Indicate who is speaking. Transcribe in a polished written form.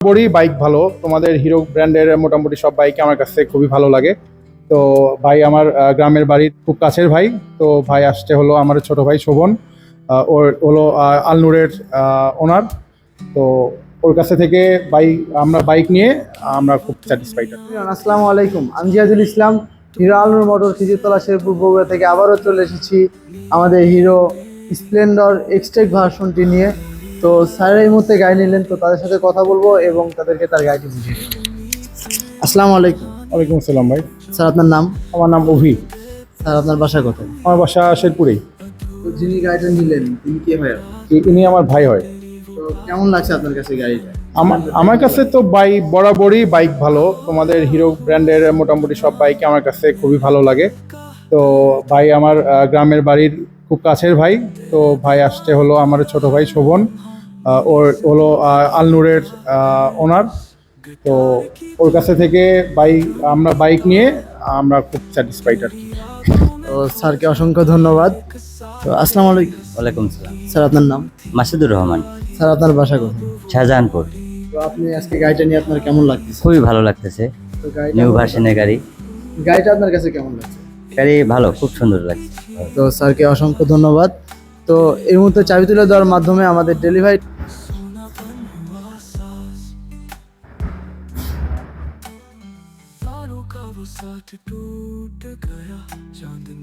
Speaker 1: বড়ই বাইক ভালো, তোমাদের হিরো ব্র্যান্ডের মোটামুটি সব বাইক আমার কাছে খুবই ভালো লাগে। তো ভাই আমার গ্রামের বাড়ির খুব কাছের ভাই। তো ভাই আসছে হলো আমার ছোট ভাই শোভন, ওর হলো আলনুরের ওনার। তো ওর কাছে থেকে আমরা বাইক নিয়ে আমরা খুব স্যাটিসফাইড।
Speaker 2: আসসালামু আলাইকুম, আমি জিয়াদুল ইসলাম, হিরো আলনুর মোটর খিজিরতলা শেরপুর বগুড়া থেকে আবারও চলে এসেছি আমাদের হিরো স্প্লেন্ডর এক্সটেক ভার্সনটি নিয়ে। তো স্যার এই মুহূর্তে গাড়ি নিলেন, তো তাদের সাথে কথা বলবো এবং তাদেরকে তার গাড়িটি বুঝিয়ে দেবো। আসসালামু আলাইকুম।
Speaker 1: ওয়ালাইকুম আসসালাম ভাই।
Speaker 2: স্যার আপনার নাম?
Speaker 1: আমার নাম অভি।
Speaker 2: স্যার আপনার বাসা কোথায়?
Speaker 1: আমার বাসা শেরপুরেই।
Speaker 2: তো যিনি গাড়িটা নিলেন তিনি কে হয়?
Speaker 1: ইনি আমার ভাই হয়।
Speaker 2: তো কেমন লাগছে আপনার কাছে গাড়িটা?
Speaker 1: আমার কাছে তো বরাবরই বাইক ভালো, তোমাদের হিরো ব্র্যান্ডের মোটামুটি সব বাইক আমার কাছে খুবই ভালো লাগে। তো ভাই আমার গ্রামের বাড়ির খুব কাছের ভাই। তো ভাই আসছে হলো আমার ছোট ভাই শোভন, ওর হলো আলনুরের ওনার। তো ওর কাছে থেকে আমরা বাইক নিয়ে আমরা খুব স্যাটিসফাইড আর কি।
Speaker 2: তো স্যারকে অসংখ্য ধন্যবাদ। তো আসসালামু আলাইকুম।
Speaker 3: ওয়ালাইকুম সালাম।
Speaker 2: স্যার আপনার নাম?
Speaker 3: মাসুদুর রহমান,
Speaker 2: স্যার আপনার বাসা কোথায়?
Speaker 3: শাহজাহানপুর।
Speaker 2: তো আপনি আজকে গাড়িটা নিয়ে আপনার কেমন লাগতেছে?
Speaker 3: খুবই ভালো লাগতেছে।
Speaker 2: তো গাড়িটা
Speaker 3: নিউ ভার্সনের গাড়ি।
Speaker 2: গাড়িটা আপনার কাছে কেমন লাগছে?
Speaker 3: গাড়ি ভালো, খুব সুন্দর লাগছে।
Speaker 2: তো স্যারকে অসংখ্য ধন্যবাদ। তো এই মুহূর্তে চাবি তুলে দেওয়ার মাধ্যমে আমাদের ডেলিভারি